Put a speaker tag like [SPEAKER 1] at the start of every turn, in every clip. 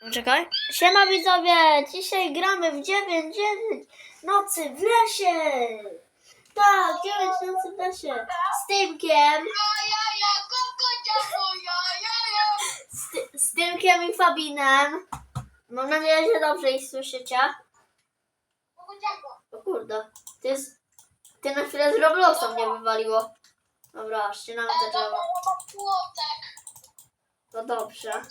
[SPEAKER 1] Czekaj. Siema widzowie, dzisiaj gramy w 9 nocy w lesie. Tak, 9 nocy w lesie. Z Tymkiem. Z Tymkiem i Fabinem. Mam nadzieję, że dobrze ich słyszycie. O kurde, ty na chwilę z Robloxa mnie wywaliło. Dobra, ścinamy te drzewa. To dobrze.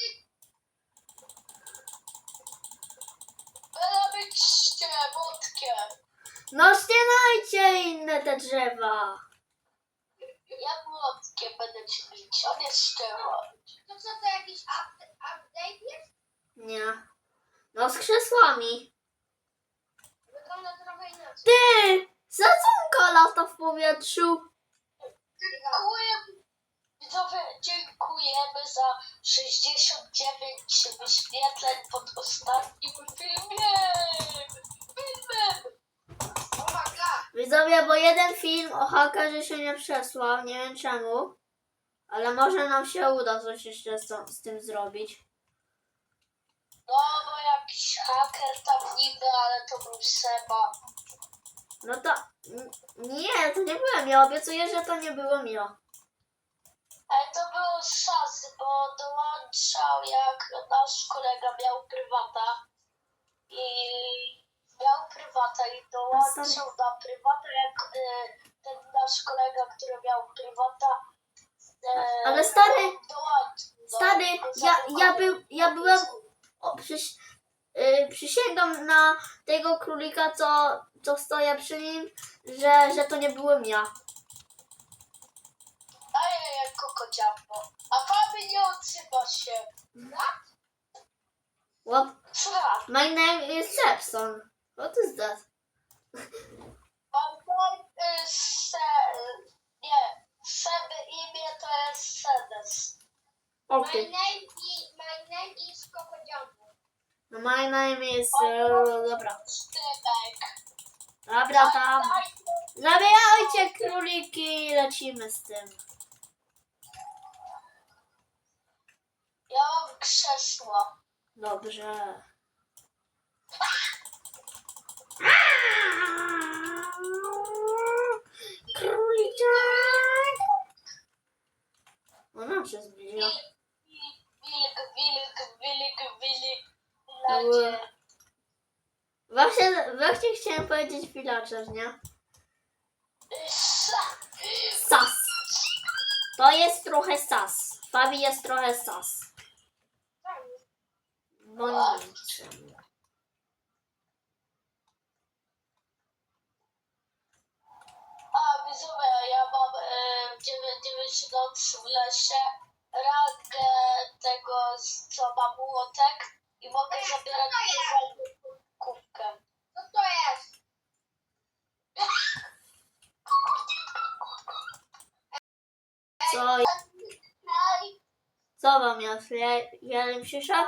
[SPEAKER 1] No ścinajcie inne te drzewa.
[SPEAKER 2] Ja młotkiem będę ci bić, on jest szczery. To co, to jakiś update jest?
[SPEAKER 1] Nie. No z krzesłami.
[SPEAKER 2] Wygląda trochę inaczej.
[SPEAKER 1] Ty! Sadzonka lata w powietrzu.
[SPEAKER 2] Dziękuję. Widzowie, dziękujemy za 69 wyświetleń pod ostatnim filmem.
[SPEAKER 1] Widzowie, bo jeden film o hakerze się nie przesłał, nie wiem czemu. Ale może nam się uda coś jeszcze z tym zrobić.
[SPEAKER 2] No, bo jakiś haker tam niby, ale to był Seba.
[SPEAKER 1] No to... Nie, to nie byłem ja. Obiecuję, że to nie byłem ja.
[SPEAKER 2] Ale to był szans, bo dołączał jak nasz kolega miał prywata. I dołączył na prywata, jak ten nasz kolega, który miał prywata.
[SPEAKER 1] Ale stary,
[SPEAKER 2] dołączył.
[SPEAKER 1] ja byłem... O, przysięgam na tego królika, co stoję przy nim, że to nie byłem ja.
[SPEAKER 2] Ajajaj, kokociapo. A Fabi nie odzywa się.
[SPEAKER 1] What?
[SPEAKER 2] Co?
[SPEAKER 1] My name is Sepson. What is that?
[SPEAKER 2] Nie, Seby imię to jest Sedes.
[SPEAKER 1] Okay.
[SPEAKER 2] My name is Kokodziambo.
[SPEAKER 1] My name is... dobra.
[SPEAKER 2] Sztybek.
[SPEAKER 1] Dobra, tam. Zabierajcie króliki i lecimy z tym.
[SPEAKER 2] Ja mam krzesło.
[SPEAKER 1] Dobrze. Króliczek! Ona się zbliża.
[SPEAKER 2] Wilk.
[SPEAKER 1] Właśnie chciałem powiedzieć villager, nie? Sas. To jest trochę sas. Fabi jest trochę sas. Bo niczym.
[SPEAKER 2] A widzowie, ja mam 9 nocy w lesie, rangę tego, co ma młotek i mogę zabierać kubkę. Co to jest?
[SPEAKER 1] Co wam jest? Jeleń przyszedł?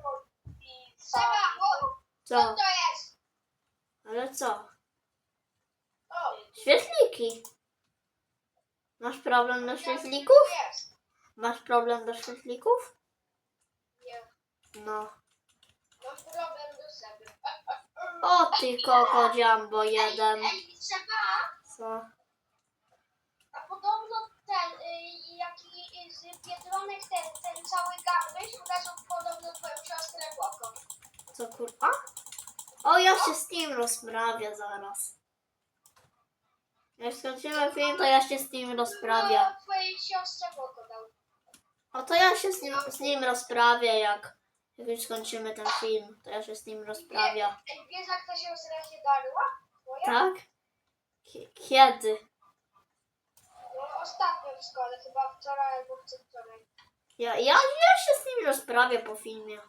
[SPEAKER 1] Co?
[SPEAKER 2] Co to jest?
[SPEAKER 1] Ale co?
[SPEAKER 2] O,
[SPEAKER 1] Świetliki. Masz problem do świetlików?
[SPEAKER 2] jest.
[SPEAKER 1] Masz problem do świetlików?
[SPEAKER 2] Nie,
[SPEAKER 1] No.
[SPEAKER 2] mam problem do siebie.
[SPEAKER 1] O ty koko Jumbo jeden.
[SPEAKER 2] Ej, Seba,
[SPEAKER 1] Co?
[SPEAKER 2] a podobno ten, jaki z Biedronek, ten cały garbage uderzył podobno twoją siostrę Boko.
[SPEAKER 1] Co kurwa? O, ja się z nim rozprawię zaraz. Jak skończymy film, to ja się z nim rozprawię.
[SPEAKER 2] No, twojej siostrze Boko dał.
[SPEAKER 1] O, to ja się z nim rozprawię, jak już skończymy ten film. To ja się z nim rozprawię.
[SPEAKER 2] Ej, wiesz jak ta siostra się darła? Twoja?
[SPEAKER 1] Tak? Kiedy?
[SPEAKER 2] No, ostatnio w szkole, chyba wczoraj albo przedwczoraj.
[SPEAKER 1] Ja się z nim rozprawię po filmie.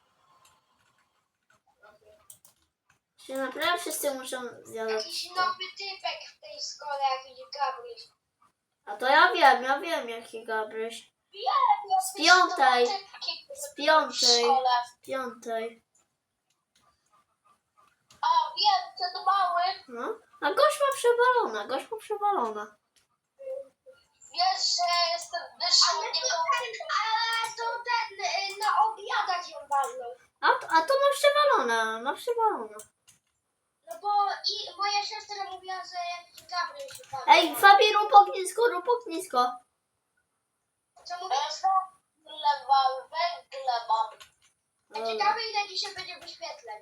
[SPEAKER 1] Się naprawdę wszyscy muszą zjadać.
[SPEAKER 2] Jakiś nowy typek w tej szkole, jakiś Gabryś.
[SPEAKER 1] A to ja wiem jaki Gabryś.
[SPEAKER 2] Z
[SPEAKER 1] piątej.
[SPEAKER 2] Z
[SPEAKER 1] Piątej.
[SPEAKER 2] A, wiem, ten mały.
[SPEAKER 1] No. A gość ma przewalona.
[SPEAKER 2] Wiesz, że jestem wyższy od niego. Ale to ten, na obiadach ją walnął.
[SPEAKER 1] A to ma przewalone, ma przewalone.
[SPEAKER 2] No bo i moja siostra mówiła, że jakiś Gabriel się pali.
[SPEAKER 1] Ej, Fabi, rób ognisko, rób ognisko.
[SPEAKER 2] Co mówisz? Węgle mam. Ja ciekawe, ile dzisiaj będzie wyświetleń.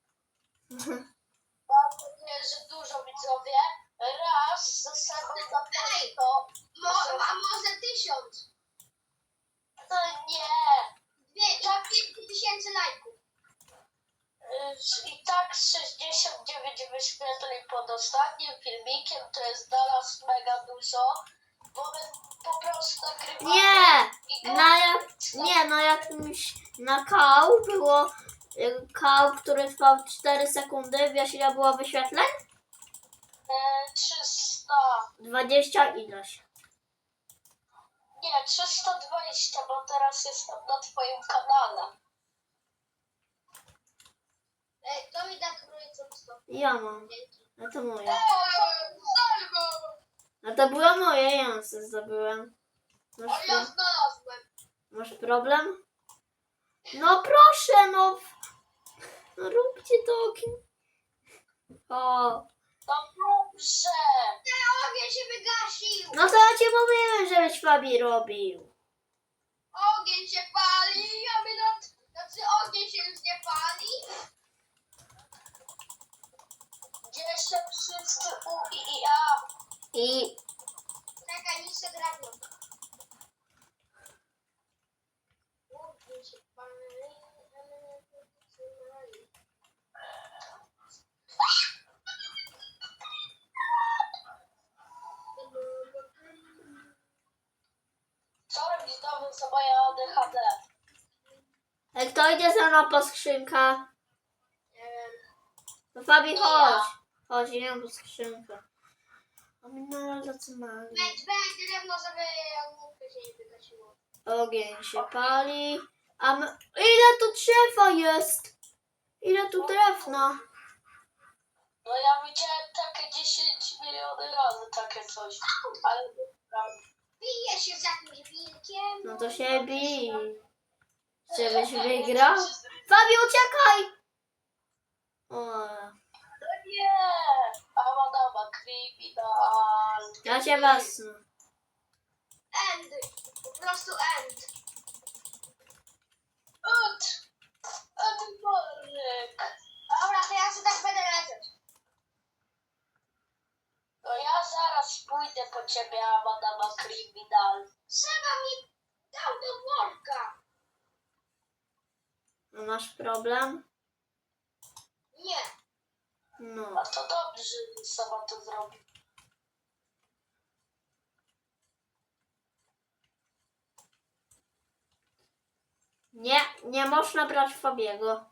[SPEAKER 2] Mam nadzieję, że dużo, widzowie. Raz zasadę na to. A może 1000? To nie. 5000 lajków. I tak 69 wyświetleń pod ostatnim filmikiem, to jest dla nas mega dużo, bo my po prostu nagrywamy.
[SPEAKER 1] Nie, na jakimś, na kał było, kał, który trwał 4 sekundy, wiesz ile było wyświetleń?
[SPEAKER 2] 300.
[SPEAKER 1] 20 ileś.
[SPEAKER 2] Nie, 320, bo teraz jestem na twoim kanale. Ej, kto mi da trójcą stopę?
[SPEAKER 1] Ja mam, a to moje.
[SPEAKER 2] Zalgo!
[SPEAKER 1] A to było moje, ja sobie zdobyłem.
[SPEAKER 2] Ale ja znalazłem.
[SPEAKER 1] Masz problem? No proszę, no. No róbcie to okno. O.
[SPEAKER 2] No dobrze. Ten ogień się wygasił.
[SPEAKER 1] No to ja ci mówiłem, żebyś Fabi robił.
[SPEAKER 2] Ogień się pali, a my znaczy ogień się już nie pali. Gdzie się wszyscy U i A?
[SPEAKER 1] I
[SPEAKER 2] Czekaj, niż się drewno. Ogień się pali, a my nie zatrzymali. Co robisz znowu za moje ADHD?
[SPEAKER 1] jak to idzie ze mną po skrzynkę,
[SPEAKER 2] Nie wiem.
[SPEAKER 1] to Fabi chodź. Chodź, idę po skrzynkę. A my na zatrzymali.
[SPEAKER 2] Weź drewno, żeby ognisko się nie wygasiło.
[SPEAKER 1] Ogień się pali. A my... Ile tu drzewa jest? Ile tu drewna?
[SPEAKER 2] No ja widziałem takie 10 miliony razy takie coś. Ale bije się z jakimś wilkiem.
[SPEAKER 1] No to się bij. Żebyś wygrał. Fabi, uciekaj! O,
[SPEAKER 2] No nie! A madama kryminal.
[SPEAKER 1] ja cię wezmę.
[SPEAKER 2] End. Po prostu end. Ut. Edworek. Dobra, to ja sobie tak będę lecieć. No ja zaraz pójdę po ciebie, a madama kryminal. Trzeba mi dał do worka.
[SPEAKER 1] No masz problem?
[SPEAKER 2] Nie.
[SPEAKER 1] No.
[SPEAKER 2] A to dobrze, że sama to zrobi.
[SPEAKER 1] Nie, nie można brać Fabiego.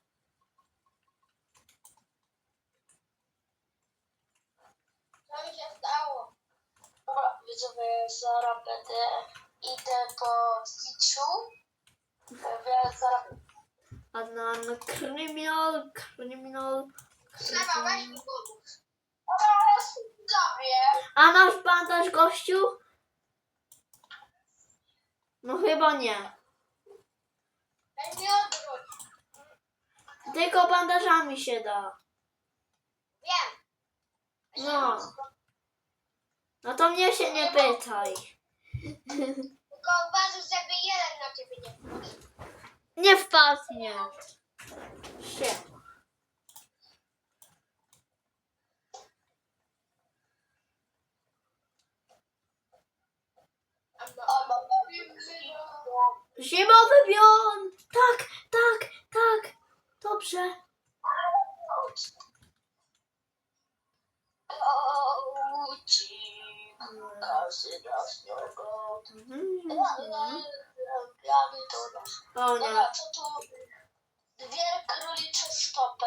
[SPEAKER 2] Co mi się stało? Dobra, widzowie, zaraz idę po Twitchu. Więc zaraz...
[SPEAKER 1] No, kryminal.
[SPEAKER 2] Trzeba, weź mi pomóc. Dobra, widzowie.
[SPEAKER 1] A masz bandaż, gościu? No chyba nie.
[SPEAKER 2] Weź mi odwróć.
[SPEAKER 1] Tylko bandażami się da.
[SPEAKER 2] Wiem.
[SPEAKER 1] No. No to mnie się nie pytaj.
[SPEAKER 2] Tylko uważaj, żeby jeden na ciebie nie wpadł.
[SPEAKER 1] Nie wpadnie. Się. Zimowy bion! Tak, tak, tak. Dobrze.
[SPEAKER 2] Każdy nas niego.
[SPEAKER 1] O nie.
[SPEAKER 2] Dobra, co tu? Dwie królicze stopy.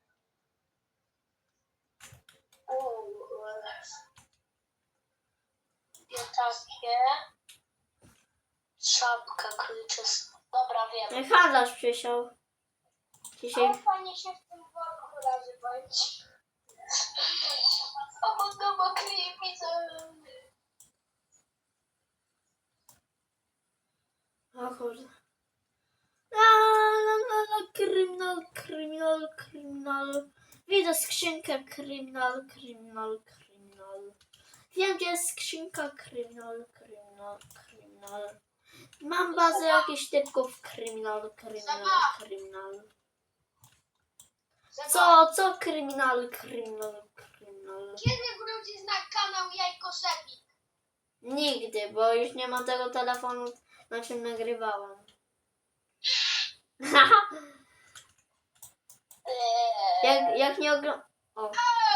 [SPEAKER 2] Dwie takie. Szapka królicze stopy. Dobra, wiem.
[SPEAKER 1] Handlarz przysiął. Dzisiaj.
[SPEAKER 2] Fajnie się w tym worku razy bądź. O, no, widzę.
[SPEAKER 1] O kurde. Kryminal. Widzę skrzynkę kryminal. Wiem, gdzie jest skrzynka kryminal. Mam bazę jakichś typków kryminal. Co kryminal?
[SPEAKER 2] Kiedy wrócisz na kanał Jajko Szefik?
[SPEAKER 1] Nigdy, bo już nie mam tego telefonu, na czym nagrywałam. jak nie oglądam... O.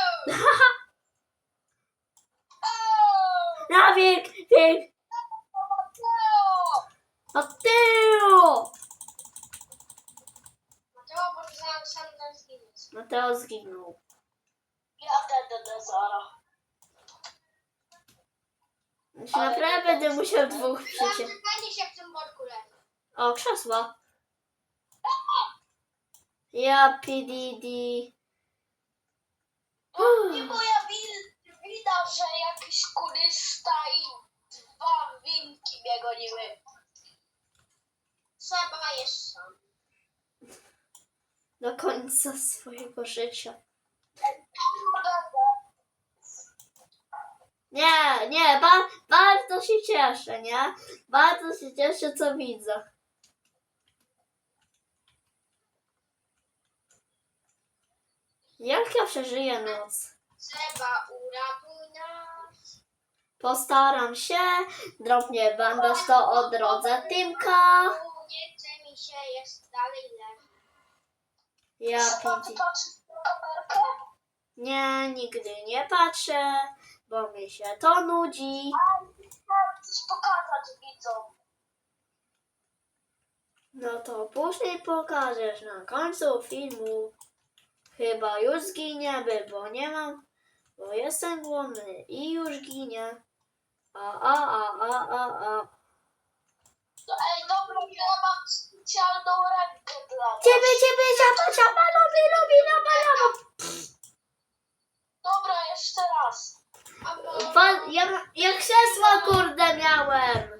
[SPEAKER 1] Na wiek! Od tyłu!
[SPEAKER 2] Mateo, bo sam tam zginiesz.
[SPEAKER 1] Mateo zginął.
[SPEAKER 2] Ja będę zara.
[SPEAKER 1] Już naprawdę będę musiał dwóch przyciąć.
[SPEAKER 2] Fajnie się w tym worku leży.
[SPEAKER 1] O, krzesła. Ja PDD.
[SPEAKER 2] Nie moja wina, że jakiś kurysta i 2 winki mnie goniły. Trzeba jeszcze.
[SPEAKER 1] Do końca swojego życia. Nie, bardzo się cieszę, nie? Bardzo się cieszę, co widzę. Jak ja przeżyję noc?
[SPEAKER 2] Trzeba uratuj nas.
[SPEAKER 1] Postaram się, drobnie bandaż to odrodzę Tymka.
[SPEAKER 2] Nie chce mi się, jest dalej leży.
[SPEAKER 1] Ja PDD. Nie, nigdy nie patrzę, bo mi się to nudzi.
[SPEAKER 2] Chcę coś pokazać widzom.
[SPEAKER 1] No to później pokażesz na końcu filmu. Chyba już zginiemy, bo nie mam, bo jestem głodny i już ginie.
[SPEAKER 2] No ej, dobra, ja mam specjalną rękę dla was.
[SPEAKER 1] Ciebie, ciapa, lubi.
[SPEAKER 2] Dobra, jeszcze raz.
[SPEAKER 1] Ja krzesło kurde miałem.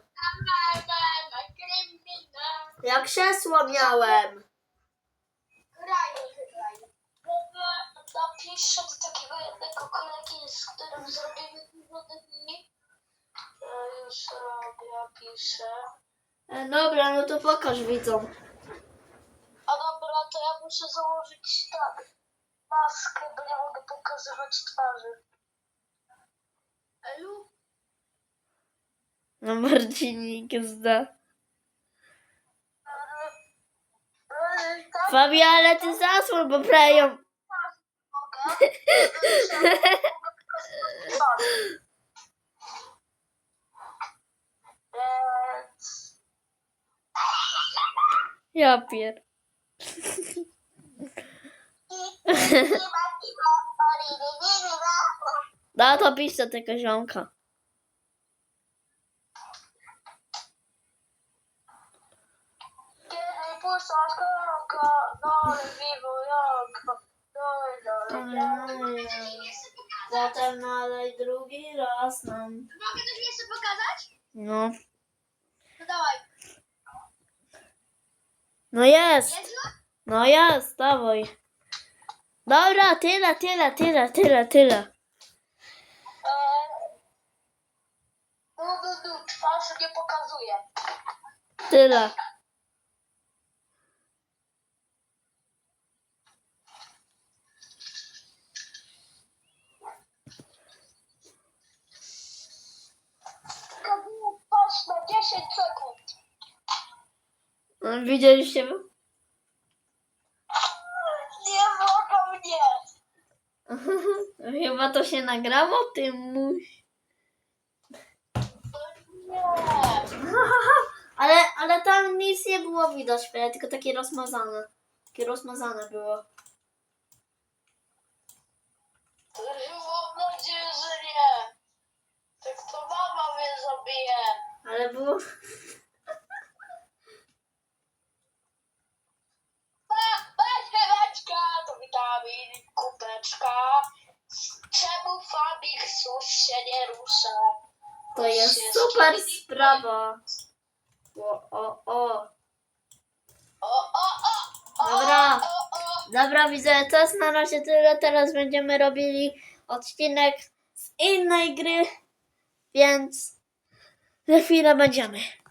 [SPEAKER 1] Ja krzesło miałem.
[SPEAKER 2] Graj. Napiszę do takiego jednego kolegi, z którym zrobimy dni. Już robię, piszę.
[SPEAKER 1] Dobra, no to pokaż widzom.
[SPEAKER 2] A dobra, to ja muszę założyć tak maskę, bo nie mogę pokazywać twarzy. Elu?
[SPEAKER 1] No Marcinik zda.
[SPEAKER 2] Tak,
[SPEAKER 1] Fabi, ale ty zasłon poprawią.
[SPEAKER 2] mogę. Mogę pokazywać twarzy. Więc...
[SPEAKER 1] Ja pier. No to pisz do tego ziomka.
[SPEAKER 2] Kiedy puszczasz koronka, dole wiwo jaka, dole.
[SPEAKER 1] Potem nalej drugi raz nam.
[SPEAKER 2] Mogę coś jeszcze pokazać?
[SPEAKER 1] No.
[SPEAKER 2] No dawaj.
[SPEAKER 1] No jest.
[SPEAKER 2] Jest?
[SPEAKER 1] No jest, dawaj. Dobra, tyle.
[SPEAKER 2] Twarz nie pokazuje.
[SPEAKER 1] Tyle.
[SPEAKER 2] Pokazuje twarz na 10 sekund.
[SPEAKER 1] Widzieliście?
[SPEAKER 2] Nie mogę mnie.
[SPEAKER 1] Chyba to się nagrało, ty muś.
[SPEAKER 2] Nie.
[SPEAKER 1] Ale tam nic nie było widać, tylko takie rozmazane. Takie rozmazane było.
[SPEAKER 2] Mam nadzieję, że nie. Tak to mama mnie zabije.
[SPEAKER 1] Ale było...
[SPEAKER 2] Weź chwileczka, to witamin, kubeczka. Czemu Fabik sus się nie rusza?
[SPEAKER 1] To jest super sprawa. O.
[SPEAKER 2] O,
[SPEAKER 1] Dobra.
[SPEAKER 2] o.
[SPEAKER 1] Dobra, widzę, to jest na razie tyle. Teraz będziemy robili odcinek z innej gry, więc za chwilę będziemy.